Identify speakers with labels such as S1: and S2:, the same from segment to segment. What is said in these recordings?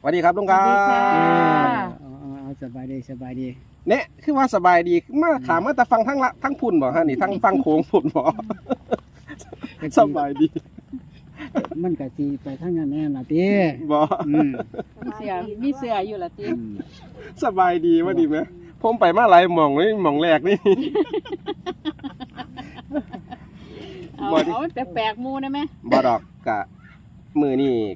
S1: วัสดีครับลุงครับ
S2: สวัสดีค่ะ
S3: เอาสบายดีสบายดี
S1: เนี่ยคือว่าสบายดีมาถามว่าแต่ฟังทั้งละทั้งพุ่นบ่ฮะนี่ทั้งฟังโค้งพุ่นบ่สบายดี
S3: มันก็สิไปทางนั้นแน่ล่ะติ
S1: บ่
S3: อืม
S2: มีเสืออยู่ละติ
S3: อืม
S1: สบายดีว่าดีไหมผมไปมาหลายหม่องนี่หม่องแรกนี่
S2: เอา
S1: บ่ดิ
S2: เอาแปลกๆหมูได้ไหม
S1: บ่ดอกกะมือนี่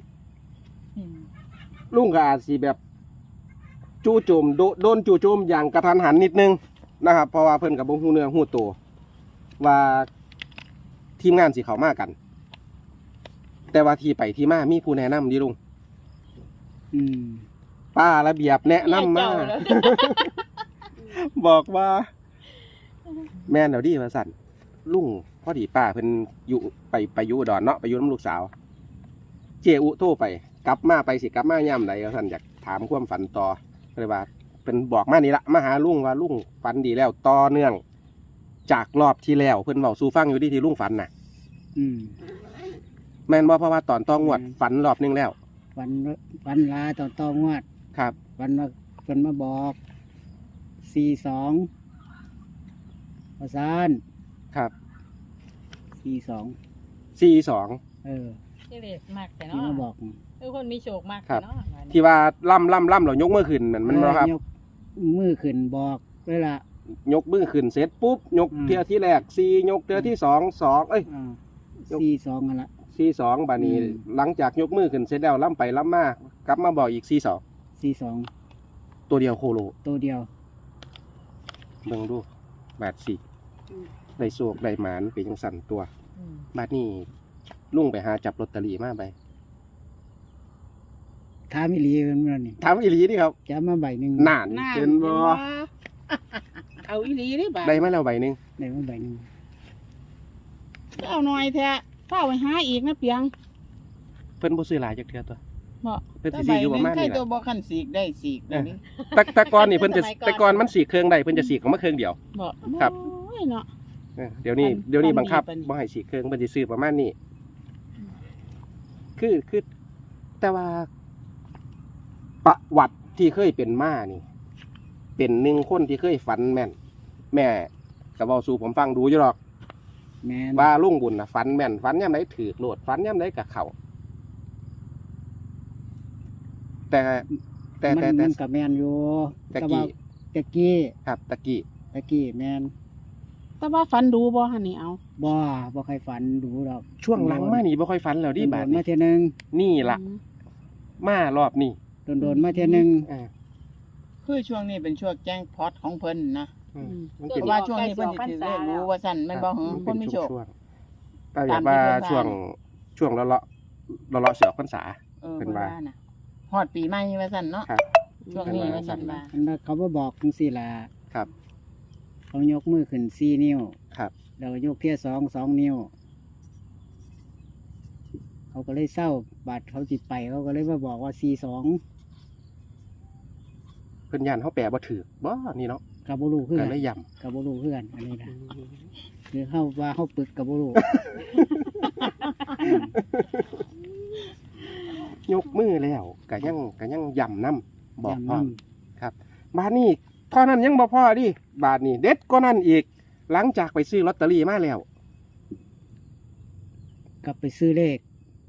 S1: ลุงก็อาจสิแบบจู่โจมโดนจู่โจมอย่างกระทันหันนิดนึงนะครับเพราะว่าเพิ่นกับบ่ฮู้เนื้อฮู้ตัวว่าทีมงานสิเข้ามากัน แต่ว่าที่ไปที่มามีผู้แนะนำดิลุง
S3: อืม
S1: ป้าระเบียบแนะนำมา
S2: เจ้แล้ว
S1: บอกว่า แม่นเดี๋ยวดีมาสั่นลุงพอดีป้าเพิ่นอยู่ไปอยู่อุดรเนาะไปอยู่น้ำลูกสาว เจอุโทรไป กลับมาไปสิกลับมาย่ำใดก็สั่นอยากถามความฝันต่อเลยว่าเป็นบอกมานี่ละมาหาลุงว่าลุงฝันดีแล้วต่อเนื่อง จากรอบที่แล้วเพิ่นเว้าสู่ฟังอยู่ที่ลุงฝันน่ะ
S3: อืม
S1: แม่นบ่เพราะว่าตอนต้องวดฝันรอบนึงแล้ว
S3: ฝันลาตองวด
S1: ครับ
S3: ฝันมาบอก42ประสาน
S1: ครับ
S3: 42
S1: 42
S3: เออ
S2: ที่เล็กมากแต่
S3: ที่
S2: เนาะ
S3: มาบอก
S2: คือคนมีโชคมาก
S1: ครั
S2: แต่
S1: บ
S2: เนาะ
S1: ที่ว่าล่ำเรายกมือขึ้นนั่นมันบ่ครับ
S3: ยกมือขึ้นบอกเลยล่ะ
S1: ยกมือขึ้นเสร็จปุ๊บยก
S3: อืม
S1: เทือที่แรก4ยกเทือที่2 2เอ้ย
S3: อ่า
S1: ยก
S3: 42นั่นล่ะ
S1: 42บาดนี้
S3: อืม
S1: หลังจากยกมือขึ้นเสร็จแล้วล่ำไปล่ำมากลับมาบอกอีก
S3: 42
S1: ตัวเดียวโคโล
S3: ตัวเดียว
S1: เบิ่งดูบาทสิได้โศกได้หมานเป็นจังสั่นตัว
S2: อืม
S1: บาดนี้ลุงไปหาจับลอตเตอรี่มาไป
S3: ถามอีหลีเพิ่นว่านี่
S1: ถามอีหลีนี่ครับ
S3: จะมาใบหนึง
S1: นานเห็นบ่
S2: เอาอีหลีได้บ่า
S1: ได้มาแล้วใบหนึง
S3: ได้มาใบหนึง
S2: เอาหน่อยแท้เฝ้าไปหาอีกนะเปียง
S1: เพิ่นบ่ซื้อหลายจักเทื่อตัว
S2: เหมาะ
S1: เพิ่นสิซื้ออยู่ประมาณ
S4: ใคร
S1: นี้
S4: ตัว
S1: ล่ะ
S4: บ่คันสีกได้สีกเดี๋ยวนี้
S1: แต่ก่อนนี่เพิ่นจะแต่ก่อนมันสีเครื่องได้เพิ่นจะสีของมาเครื่องเดียว
S2: เหมาะ
S1: ครับ
S2: โอ้ยเนาะ
S1: เดี๋ยวนี้
S2: ปัน
S1: เดี๋ยวนี้บังคับ
S2: ปันดี
S1: บ่ให้สีเครื่องเพิ่นสิซื้อประมาณนี้คือแต่ว่าประวัติที่เคยเป็นมานี่ เป็นหนึ่งคนที่เคยฝันแม่น แม่ก็เว้าสู่ผมฟังดูอยู่หรอก
S3: แม่น
S1: ว่าลุงบุญน่ะฝันแม่นฝันยามใดถูกโลดฝันยามใดก็เข้าแต่แต่
S3: มันกับแมนอยู่
S1: ตะกี้
S3: ตะกี้
S1: ครับตะกี้
S3: ตะกี้แมน
S2: แต่ว่าฝันดูบ่หั่นนี่เอา
S3: บ่ใครฝันดูดอก
S1: ช่วงหลังมานี่บ่ค่อยฝันแล้วดิบาด
S3: โดนๆมา
S1: นี้
S3: เท่ยหนึง
S1: นี่ล่ะ มารอบนี้
S3: โดนๆมาเท่ยหนึง
S1: อ่า
S4: คือช่วงนี้เป็นช่วงแจ้งพอตของเพิ่นนะ
S1: อืมมัน
S4: เพ
S1: เป็น
S4: ราะว่าช่วงนี้เพิ่นสิถือเลขรู้ว่าสั่นแมันบ่หึ
S1: มัน
S4: ค
S1: เป็น
S4: นมีโชค
S1: ช่วงๆแต่แบบว่าช่วงเลาะเสือพรรษา
S4: เพิ่
S1: นว่า
S4: น่ะฮอดปีใหม่ว่าสั่นเนาะ
S1: ครับ
S4: ช่วงนี้ว่าสั่นว่า
S3: อันนั้นเขาบ่บอกจังซี่ล่ะ
S1: ครับ
S3: เขายกมือขึ้น4นิ้ว
S1: ครับ
S3: แล้วก็ยกเที่ย2นิ้ว เขาก็เลยเศร้าบาดเขาสิไปเขาก็เลยมาบอกว่า42
S1: เพิ่นย่านเฮาแปลบ่ถูกบ่นี่เนาะ
S3: กับบ่รู้คือ
S1: ก็
S3: กัน
S1: เลยย้
S3: กับบ่รู้คือกันอันนี้นะหรือเฮาว่าเฮาปึกกับบ่รู้
S1: ำยกมือแล้วก็ยังย้ำนํบอก
S3: จำ
S1: พ่อ
S3: นำ
S1: ครับบาดนี้เท่านั้นยังบ่พอดิบาดนี้เด็ดก็นั่นอีก หลังจากไปซื้อลอตเตอรี่มาแล้ว
S3: กลับไปซื้อเลข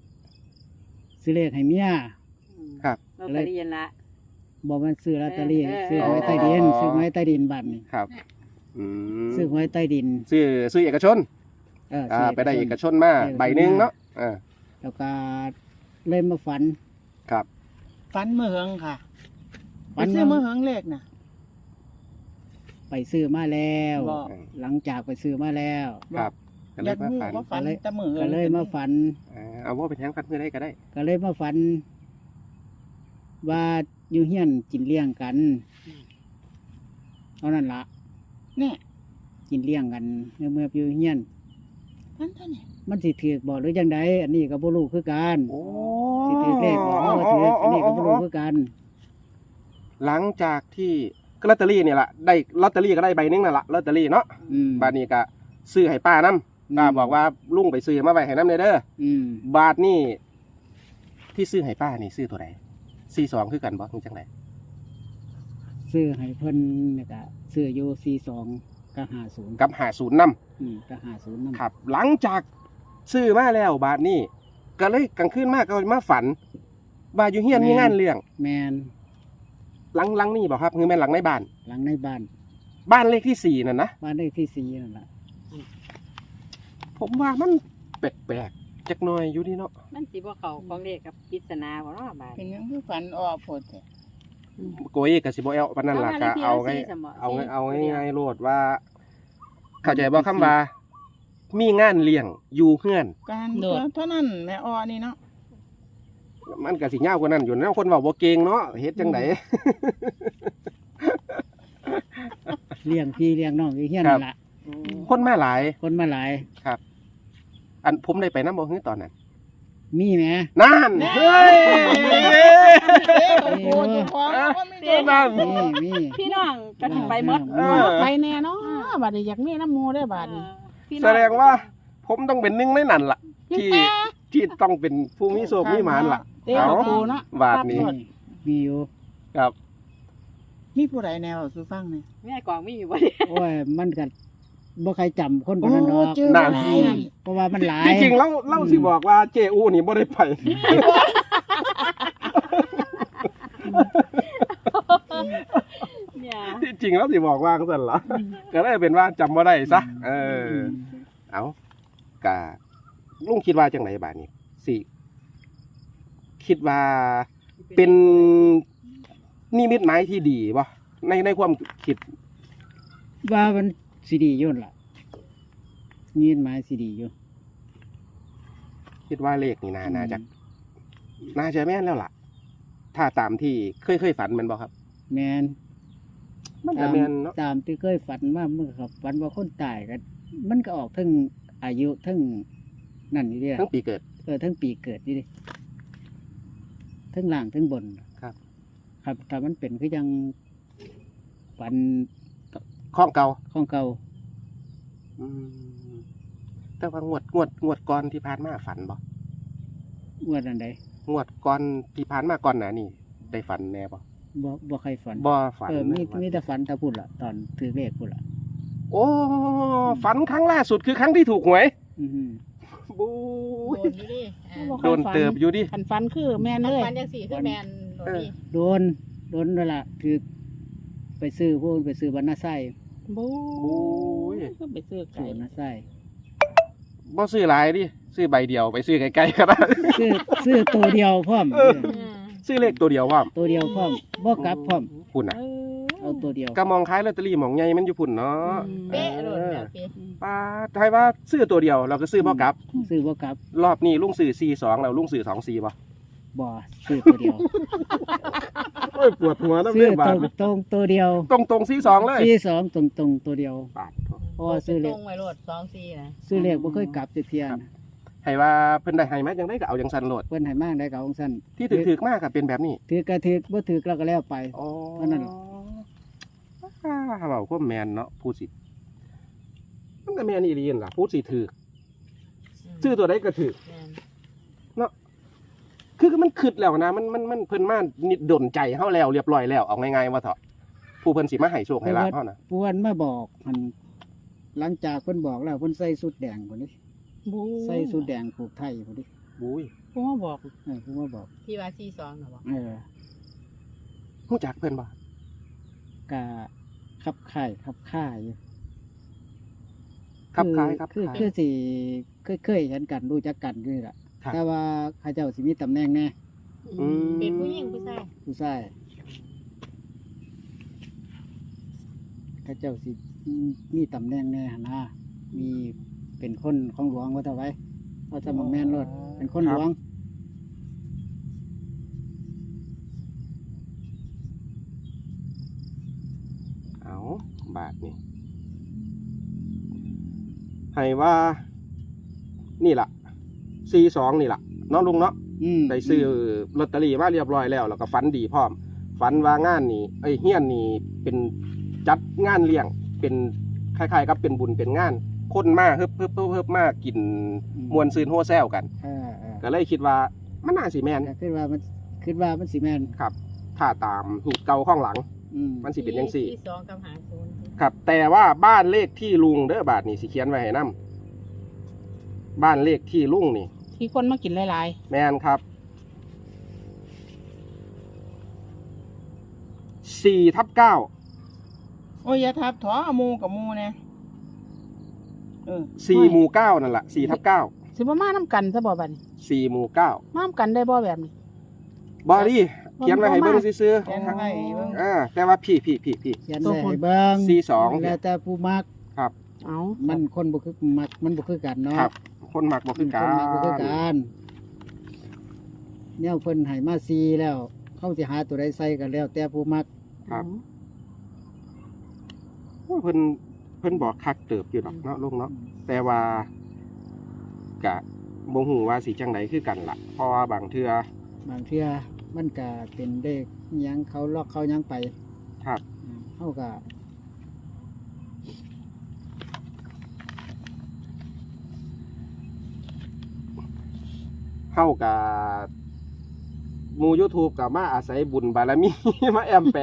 S3: ให้เมีย
S1: ครับ
S2: ลอตเตอรี่ละ
S3: บอกมันซื้อลอตเตอรี่
S2: เออ
S3: ซื้อหวยใต้ดินซื้อหวยใต้ดินบัตรนี่
S1: ครับอืม
S3: ซื้อหวยใต้ดิน
S1: ซื้อเอกชน
S3: ซื้
S1: ไปได้เอกชนมาใบหนึงเนาะอ่า
S3: แล้วก็เล่นมาฝัน
S1: ครับ
S4: ฝันมื้อเฮิงค่ะ
S3: ฝั
S4: ไป
S3: น
S4: ซื้อมื้อ
S3: ว่า
S4: เฮิงเลขน่ะ
S3: ไปซื้อมาแล้ว
S4: บ่
S3: หลังจากไปซื้อมาแล้ว
S1: ครับก็เลย
S4: อาย ก
S1: มา
S4: รู้
S1: ฝัน
S4: ว่าฝันแต่มื้อเฮิง
S3: ก็เลยมาฝัน
S1: เอาว่าเป็นแทงฟันเพื่อได้ก็ได้
S3: ก็เลยมาฝัน ว่าอยู่เฮียนกินเลี้ยงกันเอานั่นละ
S4: เนี่ย
S3: กินเลี้ยงกันเมื่ออยู่เฮียน
S4: ฝันเท่านี้
S3: มันสิถือบอกหรือยังไดอันนี้ก็บ่รู้คือกัน
S1: โอ้
S3: สิถือเลขบอกว่าถืออันนี้ก็บ่รู้คือกัน
S1: หลังจากที่ก็ลอตเตอรี่เนี่ยแหละได้ลอตเตอรี่ก็ได้ใบหนึงนั่นแหละลอตเตอรี่เนาะ บาทนี้ก็ซื้อให้ป้านํป้าบอกว่าลุงไปซื้อมาไว้ให้น้ำเด้อ
S3: อืม
S1: บาทนี่ที่ซื้อให้ป้านี่ซื้อตัวไหน 42คือกันบ่คือจังได๋
S3: ซื้อให้เพิ่นเนี่ยก็ซื้ออยู่42กับ50
S1: กับ50นำ
S3: กับ50นำ
S1: ครับ หลังจากซื้อมาแล้วบาดนี้ก็เลยกลางคืนมาก็มาฝันว่าอยู่เฮียนมีงานเลี้ยง
S3: แม่น
S1: หลังนี่บ่ครับคือแม่นหลังในบ้าน
S3: หลังในบ้าน
S1: บ้านเลขที่4นั่นนะ
S3: บ้านเลขที่4นั่นล่ะ
S1: ผมว่ามันแปลกๆจักหน่อยอยู่นี่เนาะ
S5: มันสิบ่เข้าของเลขกับปริศนาบ่เนาะบาด
S4: เป็นหยังคือฝันออกโพดแท้
S1: โกยก็สิบ่เอาปานนั้นล่ะก็เอาไงเอาง่ายๆโลดว่า เข้าใจบ่คำว่า มีงานเลี้ยงอยู่เฮือน
S4: การเท่านั้นแม่ออนี่เนาะ
S1: มันก็สิยาวกว่านั้นอยู่นะคนเว้าบ่เก่งเนาะเฮ็ดจังได
S3: เลี้ยงพี่เลี้ยงน้องอยู่เฮียนนั่นล่ะ
S1: คนมาหลาย
S3: คนมาหลาย
S1: ครับ อันผมได้ไปนำบ่ฮือตอนนั้น
S3: มีแหม
S1: นั่นเฮ้ย
S4: โอ้เจ้าของก็ไม่ได้
S1: นั่น
S3: มี
S5: พี่น้องก็สิไปหมด
S1: เออ
S2: ไปแน่เนาะบัดนี้อยากมีน้ำหมูได้บาดนี้
S5: พี่น้อ
S1: แสดงว่า ผมต้องเป็นหนึ่งในนั้นล่ะ ที่
S2: แม่
S1: ที่ต้องเป็นผู้มีโชคมีหมานล่ะ
S2: เต้กับปูเนาะ
S1: บาทนี้
S3: มีอยู่
S1: ครับ
S4: มีผู้ใดแนวสู่ฟังเนี่ย
S5: แม่กองมีอยู่บ่เนี่ย
S3: โอ้ยมันก็บ่ใครจำคนคนนั้นดอก
S4: เจอ
S1: นั่น
S4: อะไร
S3: เพราะว่ามันหลาย
S1: จริงๆเล่าสิบอกว่าเจอูนี่บ่ได้ไป
S5: เนี่ย
S1: ที่จริงแล้วสิบอกว่าจังซั่นล่ะก็เลยเป็นว่าจำบ่ได้ซะเอากะลุงคิดว่าจังไดบาดนี้สิคิดว่าเป็นนิมิตหมายที่ดีบ่ในความคิด
S3: ว่ามันสิดีอยู่นั่นล่ะยินหมายสิดีอยู่
S1: คิดว่าเลขนี่น่าจะแม่นแล้วล่ะ ถ้าตามที่เคยฝันแมันบ่ครับ
S3: แม่น
S1: มันจะแม่นเนาะ
S3: ตามที่เคยฝันว่าเมื่อครับฝันว่าคนตายกันมันก็ออกทั้งอายุทั้งนั่นนี่เด้อ
S1: ทั้งปีเกิด
S3: ทั้งปีเกิดนี่เด้ทั้งล่างทั้งบน
S1: ครับ
S3: ครับถ้ามันเป็นคือยังฝัน
S1: ข้องเก่า
S3: ของเก่า
S1: แต่ว่างวดก่อนที่ผ่านมาฝันบ่
S3: งวดอันใด
S1: งวดก่อนที่ผ่านมาก่อนหน้านี่ได้ฝันแน่บ่
S3: บ่ใครฝัน
S1: บ่ฝัน
S3: มีแต่ฝันแต่พูดล่ะตอนถือเลขพูดล่ะ
S1: โอ้ฝันครั้งล่าสุดคือครั้งที่ถูกหวย
S3: อือหือ
S1: บู๊
S4: โด
S1: ย
S4: นอยู่ดิอ่า
S2: บ่ค่
S1: โด
S2: อย
S1: น
S2: ฝัน
S1: เติบอยู่ดิ
S2: คันฟันคือแม่นเลย
S4: ฝันจังสี่คือแมนโดนดิ
S3: โดนนั่นล่ะคือไปซื้อพวกไปซื้อบรรณาไส้
S2: บู
S1: บู๊ย
S2: ก็ไปซื้อ
S3: ซื้
S2: ไก่
S3: อบรรณาไส้
S1: บ่ซื้อหลายดิซื้อใบเดียวไปซื้อไกลๆก็ได้
S3: ซื้อตัวเดียวพร้อม
S1: ซื้อเลขตัวเดียวว่า
S3: ตัวเดียวพร้อมบ่กลับพร้อม
S1: พุ่นน่ะ
S3: เอาตัวเดียว
S1: ก็มองคล้ายลอตเตอรี่หมองใหญ่มันอยู่พุ่นเนาะ
S4: เป๊ะโดนแล้วพี่
S1: ป้าทายว่าซื้อตัวเดียวเราก็ซื้อบ่กลับ
S3: ซื้อบ่กลับ
S1: รอบนี้ลุงซื้อ42แล้วลุงซื้อ24บ่
S3: บ่ซื้อตัวเดียว
S1: โอ้ยปวดหัวน้ำ
S3: ซื้
S1: เรื่
S3: อ
S1: องบา
S3: ต
S1: ท
S3: รงตัวเดียว
S1: ตรง42เลย
S3: ซื้อ2ตรงตัวเดียว
S1: บาท
S3: เพราะว่าซื้อเล
S4: ตร
S3: ข
S4: งไว้โลด2-4นะ
S3: ซื้อเลขบ่เคยกลับจักเที่ยนะ
S1: ให้ว่าเพิ่นได้ให้มาจังได๋ก็เอาจังซั่นโลด
S3: เพิ่นให้มากได้ก็ของซั่น
S1: ที่ถึกๆมากก็เป็นแบบนี้
S3: ถือก็ถือบ่ถือก็แล้วไป
S1: อ๋อ
S3: เท่านั้นล่ะ
S1: เว้าความแม่นเนาะพูดสิมันก็แม่นอีหลีนั่นล่ะพูดสิถูกซื้อตัวใดก็ถูก
S4: แม่น
S1: คือมันคิดแล้วนะมันเพิ่นมานิดดนใจเฮาแล้วเรียบร้อยแล้วเอาง่ายๆว่าเถาะผู้เพิ่นสิมาให้โชคให้ลาภเฮานะ
S3: ปวนมาบอกมันหลังจากเพิ่นบอกแล้วเพิ่นใส่สุดแดงพุ่นนี่
S2: บู
S3: ใส่สุดแดงผูกไทยพุ่นนี่
S1: บุ้ย
S2: ปูมาบอก
S3: เพิ่นมาบอก
S4: ที่ว่า42น่ะบ่
S1: ฮู้จักเพิ่นบ่
S3: กะขับค่ายอยู่
S1: ครับคล้ายครับ
S3: คือ
S1: คล้าย
S3: คือสิเคยเห็นกันรู้จักกันนี่ล่ะ
S1: ครับ
S3: แต่ว่าเขาเจ้าสิมีตำแหน่งแน่
S1: อืม
S4: เป็นผู้หญิงผู้ชาย
S3: ผู้ชายเขาเจ้าสิมีตำแหน่งแน่หั่นนะมีเป็นคนของหลวงว่าแต่ไว้ว่าจะมาแม่นรถเป็นคนหลวง
S1: เอาบาทนี่ให้ว่า นี่ล่ะ42นี่ล่ะเนาะลุงเนาะ ได้ซื้อลอตเตอรี่มาเรียบร้อยแล้วแล้วก็ฝันดีพร้อมฝันว่างานนี่เฮียนนี่เป็นจัดงานเลี้ยงเป็นคล้ายๆกับเป็นบุญเป็นงานคนมาเฮิบมากินมวนซืนโฮแซวกัน
S3: เออ
S1: ก็เลยคิดว่ามันน่าสิแม่น
S3: ก็คือว่ามันคิดว่ามันสิแม่น
S1: ครับ ถ้าตามหีบเก่าข้างหลัง
S3: อืม
S1: มันสิเป็นจังซี่
S5: ที่2กับ50
S1: ครับ แต่ว่าบ้านเลขที่ลุงเด้อบาทนี่สิเขียนไว้ให้นํบ้านเลขที่ลุงนี่
S2: ที่คนมากินหลาย
S1: แม่นครับ4/9
S4: โอ้ยอย่าทับถอหมูกับหมูเนี่ย
S1: 4หมู่9นั่นแหละ4/9
S2: ๆสิบ่มานํกันซะบ่บัดนี้
S1: 4หมู่9
S2: มานํกันได้บ่แบบนี้
S1: บอดี้เขียนไว้ให้เบิ่งซื่อ
S4: แกงไว้เบิ่ง
S1: ๆแต่ว่าพี่
S3: เขียนไว้ให้เบิ่ง
S1: 42
S3: แล้วแต่ผู้มัก
S1: ครับ
S2: เอา
S3: มันคนบ่คือมักมันบ่คือกันเนาะ
S1: ครับ คนมักบ่คือกั
S3: คนมักบ่คือกั
S1: น
S3: นแนวเพิ่นให้มาซีแล้ว เขาสิหาตัวใดใส่กันแล้ว แต่ผู้มัก
S1: ครับ เพิ่นบอกคักเติบอยู่ดอกเนาะลุงเนาะแต่ว่ากะบ่ฮู้ว่าสิจังไดคือกันล่ะเพราะว่าบางเทื่อบ
S3: างเทื่อมันก็เป็นเด็กหยังเขาล็อกเขาหยังไป
S1: ครับ
S3: เขาก็
S1: เฮากับหมู่ YouTube ก็มาอาศัยบุญบารมี มาแอมแปะ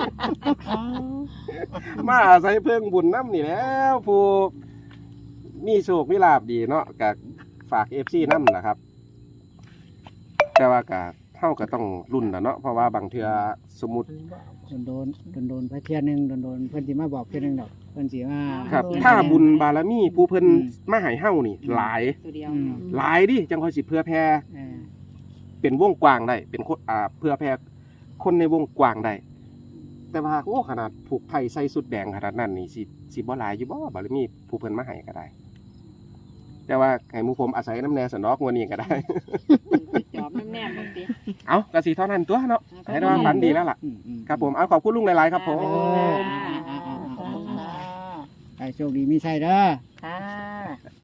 S1: มาอาศัยเพิ่งบุญน้ำนี่แหล้วผู้มีโชคมีลาบดีเนาะก็ฝาก FC นำล่ะครับ แต่ว่าก็เฮาก็ต้องรุ่นล่ะเนาะเพราะว่าบางเทื่อสมมุติ
S3: โดนไปเที่ยหนึงโดนเพิ่นสิมาบอกเที่ยหนึงดอกเพิ่นสิมา
S1: ครับ ถ้าบุญบารมีผู้เพิ่นมาให้เฮานี่หลาย
S5: ตัวเดียว
S1: หลายดิจังค่อยสิเพื่อแผ่
S3: เออ
S1: เป็นวงกว้างได้เป็นคนเพื่อแผ่คนในวงกว้างได้แต่ว่าโอ้ขนาดผูกไผ่ใส่สุดแดงขนาดนั้นนี่สิบ่หลายอยู่บ่บารมีผู้เพิ่นมาให้ก็ได้ แต่ว่าให้หมู่ผมอาศัยน้ำแน่สนอกงวดนี้ก็ได้
S5: จอบแนมๆบางที
S1: เอาก็สิเท่านั้นตัวเนาะให้ว่าฝันดีแล้วล่ะ ครับผมเอาขอบคุณลุงหลายๆครับผม
S3: ให้โชคดีมีชัยเด้อ
S5: ค่ะ